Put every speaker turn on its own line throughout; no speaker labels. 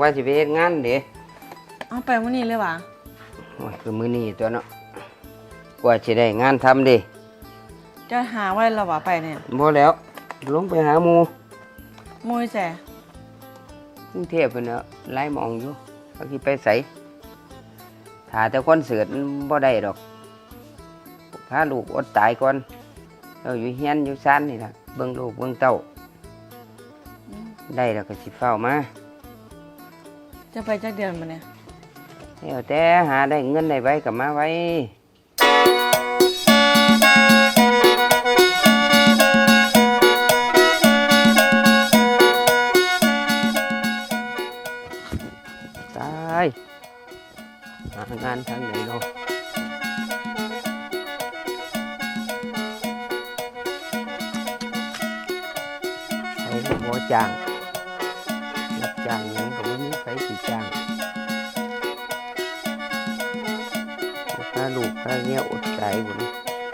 ว่าสิไปเฮ็ดงานเด้
เอาไปมื้อนี้เลยวะ
โอ้ยคือมื้อนี้ตัวเนาะกว่าสิได้งานทำเด้
จะหาไว้แล้ววะไปเนี่ย
บ่แล้วลงไปหาหมู่
แซ่
กรุงเทพเพิ่นเนาะหลายหม้องอยู่ว่าสิไปไสถ้าแต่คอนเสิร์ตบ่ได้ดอกพาลูกอดตายก่อนเราอยู่เฮียนอยู่ซ่านนี่ล่ะเบิ่งลูกเบิ่งเต้าได้แล้วก็สิเฝ้ามา
จะไปจักเดือนมาเนี่ย
แล้วแต่หาได้เงินได้ไว้ก็มาไว้ตายหางานทางไหนเนาะใครก็บ่จ้างรับจ้างหยังก็บ่มีใครสิจ้างค่าลูกค่าเงี้ยอดใจหมด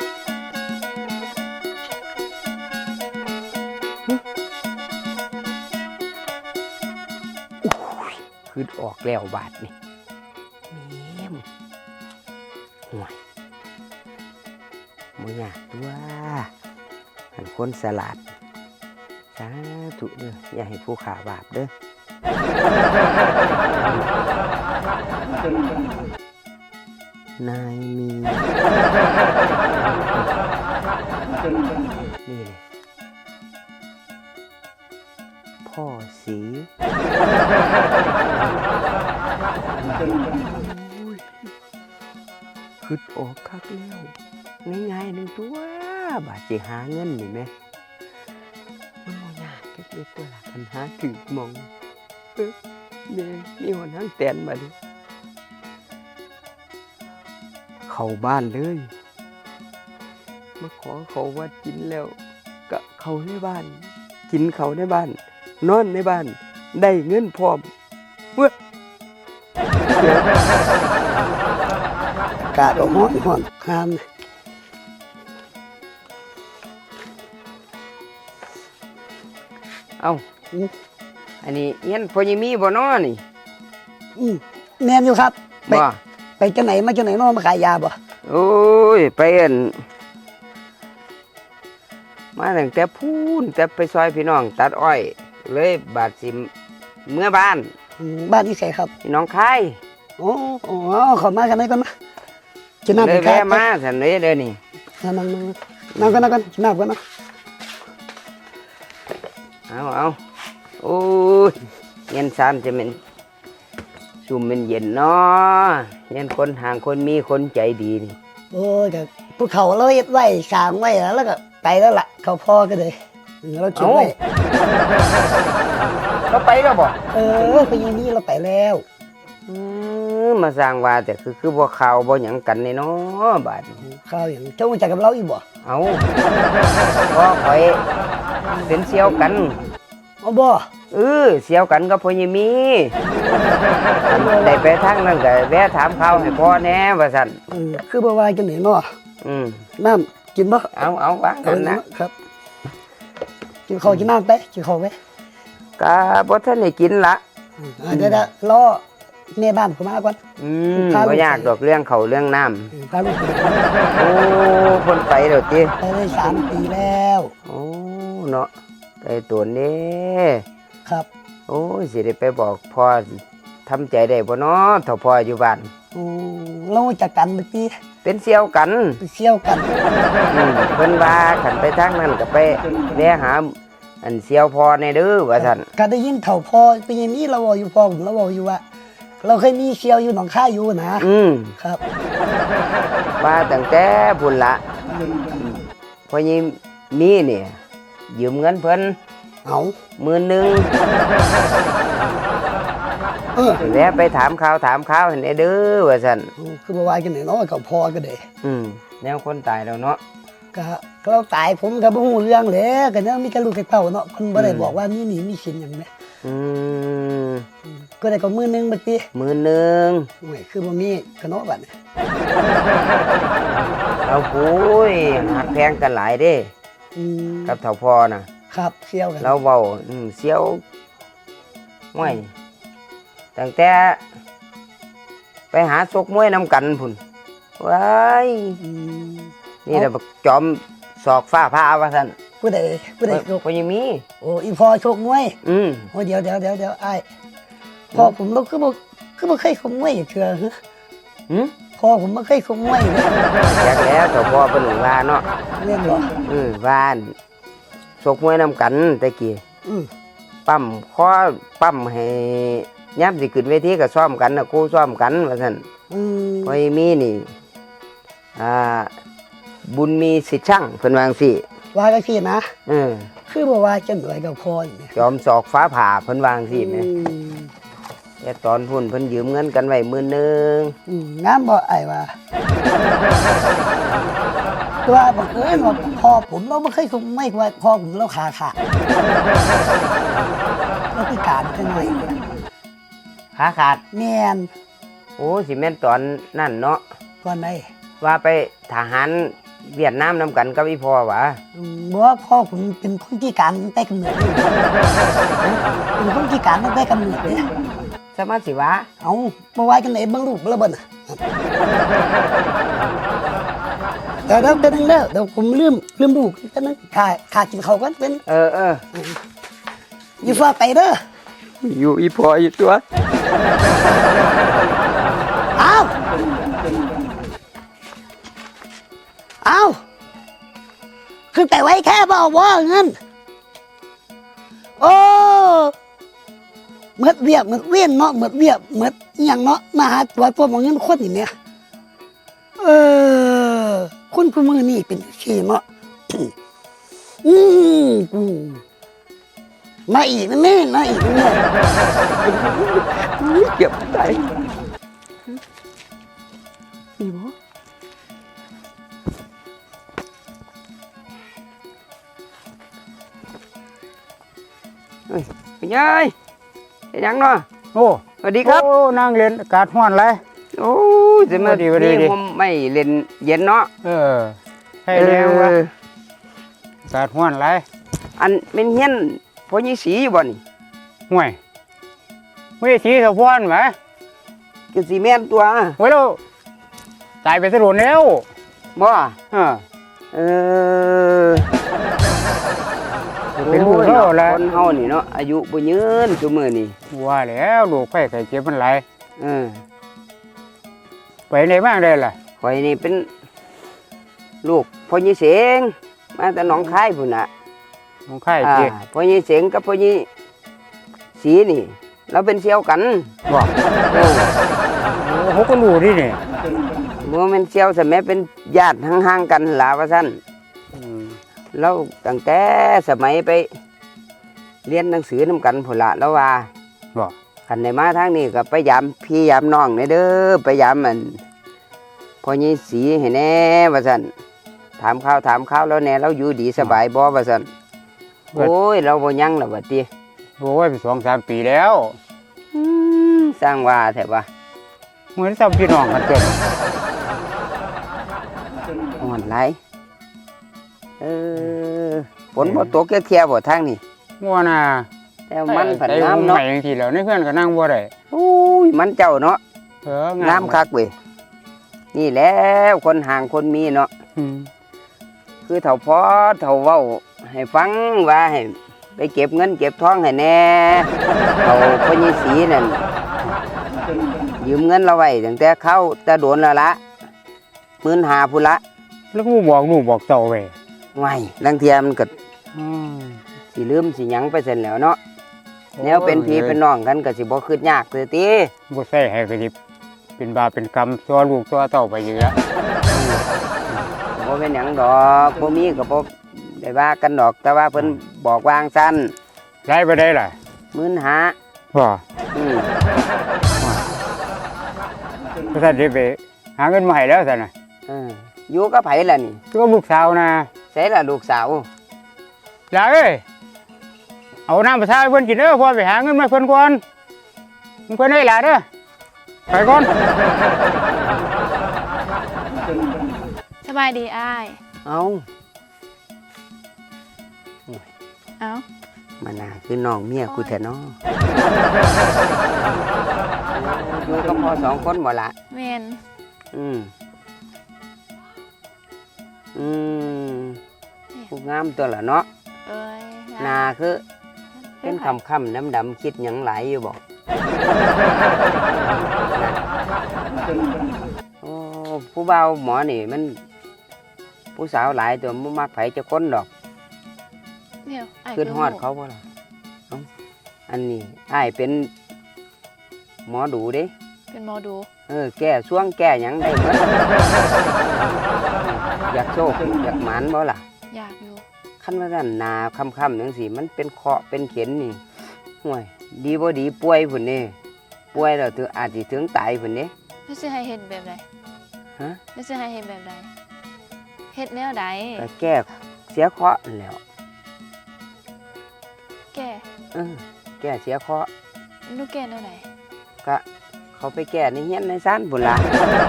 คือออกแล้วบาทนี่แม่มห่วยมึงอยากตัวหันคนสลัดสาธุเด้ออย่าให้ผู้ขาบาปเด้อนายมีนี่เลยพ่อสีคืดออกคักแล้วง่ายๆหนึ่งตัวบาทสิหาเงินนี่ไหมมันบ่ยากแค่เป็นตัวละคันหาถึงมองเนี่ยมีหัวนั่งแตนมาดิเข้าบ้านเลยมาขอเขาว่ากินแล้วก็เขาในบ้านกินเขาในบ้านนอนในบ้านได้เงินพร้อมเว้ย
กาดอกห้อนข้าม
เอ้าอันนี้เงี้ยพอยังมีบ่น้อนี่
แม่นอยู่ครับ
บ่
ไปจังไหนมาจังไหนน้อมาขายยาบ่
โอ้ยไปอันมาตั้งแต่พูนแต่ไปซอยพี่น้องตัดอ้อยเลยบาดสิเมื่อบ้าน
ที่ไสครับ
พี่น้องคาย
โอ้ขอมากันไหนก่อนมากินน้ำ
เลยแวะมาซั่นเลยเด้อนี่
นั่งกันกินน้ำกันนะ
เอาโอ้ยเย็นซ้ำจะเป็นชุ่มเป็นเย็นเนาะเย็นคนห่างคนมีคนใจดีนี่
โอ้ยก็ภูเขาเราเฮ็ดไว้สร้างไว้แล้วก็ไปแล้วล่ะเขาพ่อก็เลยเราเก็บไว้
เราไปแล้วบ่
ไปยังนี้เราไปแล้ว
มาสร้างว่าแต่คือบ่ข่าวบ่หยังกันนี่เนาะบาด
ข่าวอย่างเจ้ารู้จักกับเราอีกบ่
เอาบ่ข่อยเป็นเสี่ยวกัน
บ่
เสี่ยวกันกับพ่อใหญ่มีได้ไปทางนั้นก็แวะถามข่าวให้พ่อแน่ว่าซั่น
คือบ่ว่าจังได๋เนาะน้ำกินบ่
เอาวางกันนะครับ
กินข้าวกินน้ำไปกินข้าวไป
ก็บ่ทันได้กินละ
เดี๋ยวรอแม่บ้านผมมาก่อน
บ่ยากดอกเรื่องเขาเรื่องน้ำ
พาลูก
โอ้คนไปแล้วติ
ไปได้3 ปีแล้ว
โอ้เนาะไปตัวนี้
ครับ
โอ้สิได้ไปบอกพ่อทำใจได้บ่เนาะถ้าพ่ออยู่บ้าน
เราจักกันเมื่อกี้
เป็นเสี่ยวกัน
เ
พิ่นว่าขันไปทางนั้นก็ไปแวะหาอันเสี่ยวพ่อในเด้อว่าซั่น
ก็ได้ยินเฒ่าพ่อเป็นอย่างนี้เราบอกอยู่พ่อผมเราบอกอยู่ว่าเราเคยมีเสี่ยวอยู่หนองคายอยู่นะครับ
ว่าตั้งแต่พุ่นละพ่อยิมีเนี่ยยืมเงินเพิ่น10,000แวะไปถามข่าวให้ได้เด้อว่าซั่น
คือบ่ว่าจังได๋เนาะเขาพ่อก็ได้
แนวคนตายแล้วเนาะ
ก็เราตายผมก็บ่ฮู้เรื่องแหละก็ยังมีแต่ลูกแต่เต้าเนาะเพิ่นบ่ได้บอกว่ามีหนี้มีสินหยังแหมก็ได้ก็10,000บัดนี้
10,000
โอ้ยคือบ่มีก็เนาะบัดนี้
เอาโอ้ยหักแพงกันหลายเด้กับเฒ่าพ่อน่ะ
ครับเสี่ยวกัน
เราเว้าเสี่ยวห้วยตั้งแต่ไปหาซกมวยนำกันพุ่นว้ายนี่แหละบักจอมศอกฟ้าผ่าว่าซั่น
ผู้ใดโชค
บ่ยังมี
โอ้อีพ่อโชคมวย
ๆ
โอ้เดี๋ยวอ้ายพ่อผมเราคือบ่เคยชกมวยอีกเทื่อฮะ
หืม
พ่อผมบ่เคยชกมวยเลย
อยากแล้วเจ้าพ่อเพิ่นว่าเนาะ
เล่นบ่
ว่านซกมวยนำกันแต่กี้
อืม
ปั้มข้อปั้มให้ยามสิขึ้นเวทีก็ซ้อมกันน่ะครูซ้อมกันว่าซั่น
อืม
พอมีนี่บุญมีสิทธิ์ช่างเพิ่นว่าจังซี่
ว่าก็พี่นะ
เออ
คือบ่ว่าจังไดกับพ่อนี่
จอมศอกฟ้าผ่าเพิ่นวาจังซี่แหม
อืม
แต่ตอนพุ่นเพิ่นยืมเงินกันไว้10,000
งามบ่อ้ายว่าคือว่าบังเอิญว่าพ่อผมเราบ่เคยชกมวยว่าพ่อผมเราขาขาดเราพิการจังได
ขาขาด
แม่น
โอ้สิแม่นตอนนั่นเนาะ
ก่อนใด
ว่าไปทหารเวียดนามนำกันกับอีพ่อหวะ
บ่ว่าพ่อผมเป็นคนพิการตั้งแต่กำเนิดเลยเป็นคนพิการตั้งแต่กำเนิดเลย
สมาสิวะ
เอาบ่ว่าจังไดเบิ่งรูปแล้วเบิ่นน่ะเดี๋ยวเป็นงเด้อเดี๋ยวผมลืมลูกเป็นงค่ากินข้าวกันเป็น
เออ
อยู่ฟ้าไปเด้อ
อยู่อีพ่ออยู่ตัว
เอาขึ้นไปไว้แค่บ่ว่าเงินโอ้เหมือดเวียบเหมือดเวียนเนาะเหมือดเวียบเหมือดอหย่างเนาะมาหาตัวพวกเอาเงินคนนี่เนี่ยคนผู้มือนี่เป็นขี้เนาะ อืมมาอีกนะแม่มาอีกนะแม่
เก็บใจ
นี่บ่
เฮ้ยเป็นไงเฮ็ดหยังเนาะ
โอ้
สวัสดีครับ
โอ้นั่งเล่นอากาศร้อนไร
โอ้ยจะมา
สวัสดี
นี่ผมไม่เล่นเย็นเนาะ
ให้เร็ววะ
ออ
อากาศร้อนไร
อันเป็นเฮียนพ่อยี่สีอยู่บ่นี่
ห่วยไม่ได้สีสะพอนไหม
ก็สิแม่นตัว
เว้ยเราตายไปสะดุดแล้ว
บ่
เออ
เออ
เป็นลูก
โอ้ย
เขา
เนาะ
แล้ว
คนเฮานี่เนาะอายุบ่ยืนซุมื้อนี่
ว่าแล้วลูกไข้ไข้เจ็บมันไหลาย
เออ
ไปไหนบ้างได้ล่ะ
ข่อยนี่เป็นลูกพ่อยี่เสงมาแต่หนองคายพุ่นน่ะ
ลูกไข้เจ็บ
พ่อยี่เสงกับพ่อยี่สีนี่เราเป็นเสี่ยวกัน
บอก
เออ
โอ้เขาก็รู้ดิเนี่ย
บ่แม่นเสี่ยวซะแม่เป็นญาติห่างๆกันล่ะว่าซั่น
อืม
เราตั้งแต่สมัยไปเรียนหนังสือนำกันพุ่นละแล้วว่า
บอก
คันได้มาทางนี้ก็ไปยามพี่ยามน้องนี่เด้อไปยามมันพ่อยี่สีให้แน่ว่าซั่นถามข้าวแล้วแน่เราอยู่ดีสบายบ่ว่าซั่นโอ้ยเราบ่ยังแล้วบัดนี้
โอ้ยไป2-3 ปีแล้ว
สร้างว่าแท้ว่า
เหมือนซ้ำพี่น้องกันเกิน
อ่อนหลายฝนบ่ตกเที่ยบ่ทางนี้
มัวน่ะ
แต่มันผัน
ใจ
น้ำ
ผม
เนาะ
ใหม่จังทีแล้วในเพื่อนก็นั่งบ่ได้
โอ้ยมันเจ้าเนาะ น้ำคักเว้ยนี่แหล้วคนห่างคนมีเนาะ
อืม
คือเถ่าพอเถ่าเว้าให้ฟังว่าให้ไปเก็บเงินเก็บทองให้แน่เถ่าพญสีนั่นยืมเงินเราไว้ตั้งแต่เข้าแต่โดนแล้วละ15,000พุ่นละ
แล้วก็บอกลูกบอกเจ้าไว้
ไว้ลังเทียมันก็
อืม
สิลืมสิหยังไปเสร็จแล้วเนาะแนวเป็นพี่เป็นน้องกันก็สิบ่คืดยากเลยติ
บ่ใส่ให้กระดิบเป็นบาปเป็นกรรมตัวลูกตัวเต้าไปอยู่แล้ว
บ่เป็นหยังดอกบ่มีก็บ่ได้ว่ากันดอกแต่ว่าเพิ่นบอกวางซั่น
ได้ไปได้ล่ะ
15,000
บ่
อืม
ก็ท่านได้ไปหาเงินมาให้แล้วซั่นน่ะ
อยู่กับไผล่ะนี่
ตัวลูกสาวนะ
ใส่ล่ะลูกสาว
หลานเอ้ยเอาน้ำประชาให้เพิ่นกินเด้อพ่อไปหาเงินมาให้เพิ่นก่อนเพิ่นให้หลานเด้อไปก่อน
สบายดีอ้าย
เอา
เอ้า
มานาคือน้องเมียกูแท้เนาะอยู่กับพ่อสองคนบ่ละ
แมน
อืมอืมผู้งามตัวละเนาะ
เอ้ย
หนาคือเป็นคำดำๆคิดหยังหลายอยู่บอกโอ้ผู้เบาหมอนี่มัน ผู้สาวหลายตัวมันมักไผจะค้นดอก
เนี่ยไอ้
ขึ้นฮอดเขาบ่ล่ะเอ้าอันนี้อ้ายเป็นหมอดูเด้
เป็นหมอดู
แก้ช่วงแก้หยังได้หมดอยากโชคอยากหมานบ่ล่ะ
อยากอยู่
คันว่าซั่นหนาค่ำๆจังซี่มันเป็นเคราะห์เป็นเข็นนี่ห่วยดีบ่ดีป่วยพุ่นนี่ป่วยแล้วถึงอาจสิถึงตายพุ่นนี่
ไม่ใช่ให้เห็นแบบใด
ฮะ
ไม่ใช่ให้เห็นแบบใดเฮ็ดแนวใด
ก็แก้เสียเคราะห์นั่นแหล้ว
แก่
แก้เสียเคราะห์
ดูแก่แนวใด
ก็เขาไปแก้ในเฮียนในซ่านพุ่นล่ะ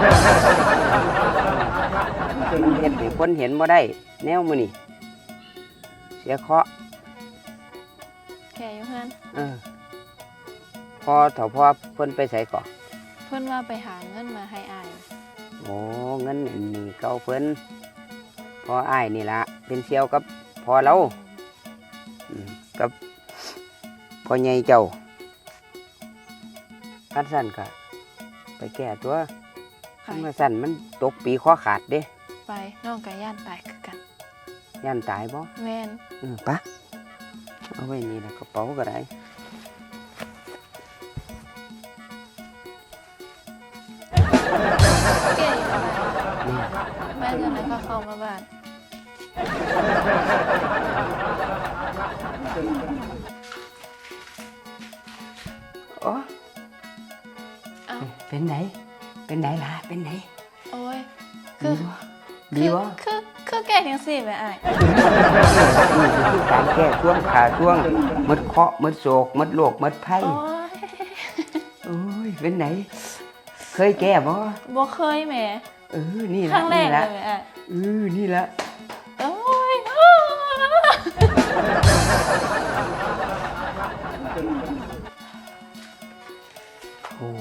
เฮ็ดให้คนเห็นบ่ได้แนวมื้อนี้เสียเคราะห์
แก่อยู่หั่น
พอเถาพอเพิ่นไปไสก่อน
เพิ่นว่าไปหาเงินมาให้อ้าย
โอ้เงินอันนี้เก่าเพิ่นพออ้ายนี่ล่ะเป็นเสี่ยวกับพอเรากับพ่อใหญ่เจ้าคันสั่นก็ไปแก้ตัว
ไป
คันว่าสั่นมันตกปีข้อขาดเด้
ไปน้องกับย่านตายคือกัน
ย่านตายบ่
แมน
ปะเอาไว้นี่ละกระเป๋าก็ได้
แก่อยู่อะไร
นี่
แม่จะไหนก็เข้ามาบ้าน
โอ้
เอ้า
เป็นไหนเป็นไหนล่ะเป็นไหน
โอ้ย
ดีบ่ดีบ่
คือแก่จังซี่แม่อ้าย
นี่คือการแก้ช่วงขาช่วงมดเคราะห์มดโศกมดโรคมดภัย
โอ้ย
โอ้ยเป็นไหน เคยแก้บ่
บ่เคยแหม่
นี่
ค
ละ
รั้งแร
นี่
กเล
ละ
ยแม่อ้าย
นี่ละ
โอ้ย
โอ้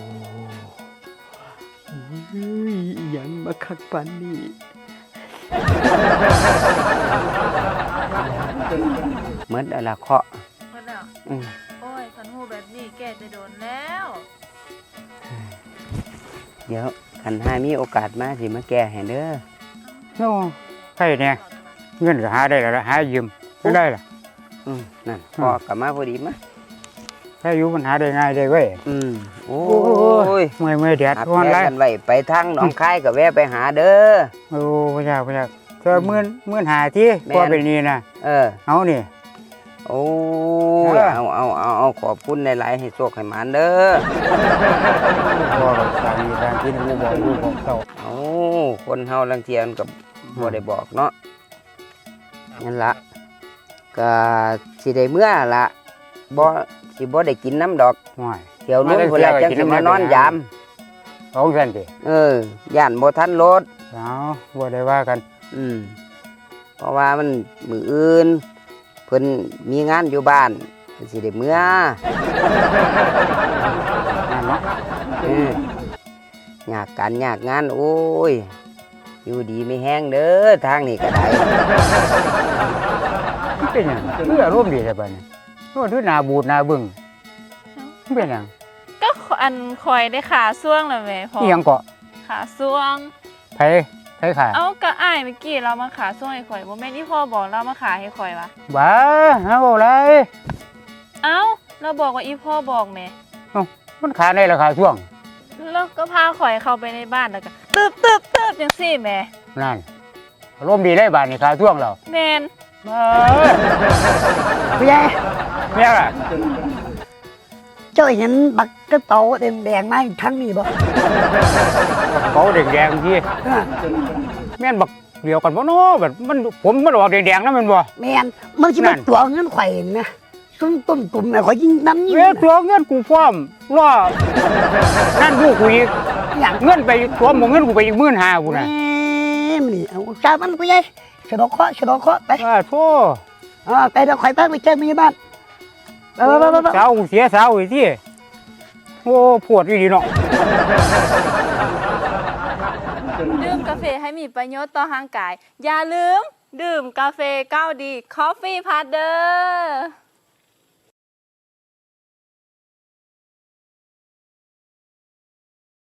ยยังมาคักปันนี่เหมือนอะไรเคาะ
หมดแล้ว โอ้ยคันหูแบบนี้แก่จะโดนแล้ว
เดี๋ยวคันหามีโอกาสมาสิมาแก้ให้เด้อ
โอ้ใครเนี่ยเงินก็หาได้แล้วล่ะหายืมไม่ได้ล่ะ
นั่นพ่อกลับมาพอดีมา
ถ้าอยู่มันหาได้ง่ายได้เว้ย
โอ้
โอ้
ย
เมื่อยแดด
อัด
ร้อน
แม่
ไร
กันไว้ไปทางหนองคายกับแวะไปหาเด้อ
โอ้พระเจ้าเธอมื่นหาที่
แม่น
พอเป็นนี่นะ เอานี่
โอ้ย
เออ
เอาขอบคุณหลายๆให้โชคให้หมานเด้อ
พอกับสามีทางที่ลูกบอกเต่า
เอาคนเฮาลังเทียนกับบ่ได้บอกเนาะนั่นละก็สิได้เมื่อละบ่สิบ่ได้กินน้ำดอก
ห่วย
เดี๋ยวนู้นพุ่นละจังสิมานอนยาม
เอาสั่นสิ
ย่านบ่ทันรถ
เอาบ่ได้ว่ากัน
เพราะว่ามันมื้ออื่นเพิ่นมีงานอยู่บ้านเพิ่นสิได้เมื่อ
นั่นเนาะ
อยากการอยากงานโอ้ยอยู่ดีไม่แห้งเด้อทางนี้ก็ได้
มันเป็นหยังคืออารมณ์ดีแต่บัดนี้โอ้ดูหน้าบูดหน้าบึ้งมันเป็นหยัง
ก็อันคอยได้ขาซ่วงแล้วแม่พอ
อีหยังเกาะ
ขาซ่วง
ไผขา
เอ้าก็อ้ายเมื่อกี้เรามาขาซ่วงให้ข่อยบ่แม่นที่พ่อบอกเรามาขาให้ข่อยวะ
บ้าหาบ่ไร
เอ้าเราบอกว่าอีพ่อบอกแม่
มันขาในราคาช่วง
แล้วก็พาข่อยเข้าไปในบ้านแล้วก็ตึบจังซี่แม่
นั่นอารมณ์ดีได้บาดนี่ขาช่วงเรา
แม่น
มา
ผู้ใหญ่
แม่ล่ะ
เจ้าเห็นบักกระเป๋าแดงๆมาทั้งนี้บ่
เขาแดงๆที่
เออ
แม่นบักเดียวกันบ่เนาะแบบมันผมมันออกแดงๆนะแม่นบ่
แม่นมันสิเป็นตัวเงินไข่นะซุ่มต้นตุ่มน่ะข่อยยิงน้ำยิง
เว้ยตัวเงินกูพร้อมรอนั่นลูกกูอีก
อย่าง
เงินไปตัวหมเงินกูไปอีก15,000กูน่ะ
มันนี่เอาจ้ามันผู้ใหญ่สะดอกเคราะห์ไป
ว่าโธ่
ไปเดี๋ยวข่อยพาไปเจอพยาบาลไป
สาวกูเสียสาวอีกที่โอ้ปวดอีดีเนาะ
ดื่มกาแฟให้มีประโยชน์ต่อร่างกาย อย่าลืม ดื่มกาแฟ9D Coffee Partner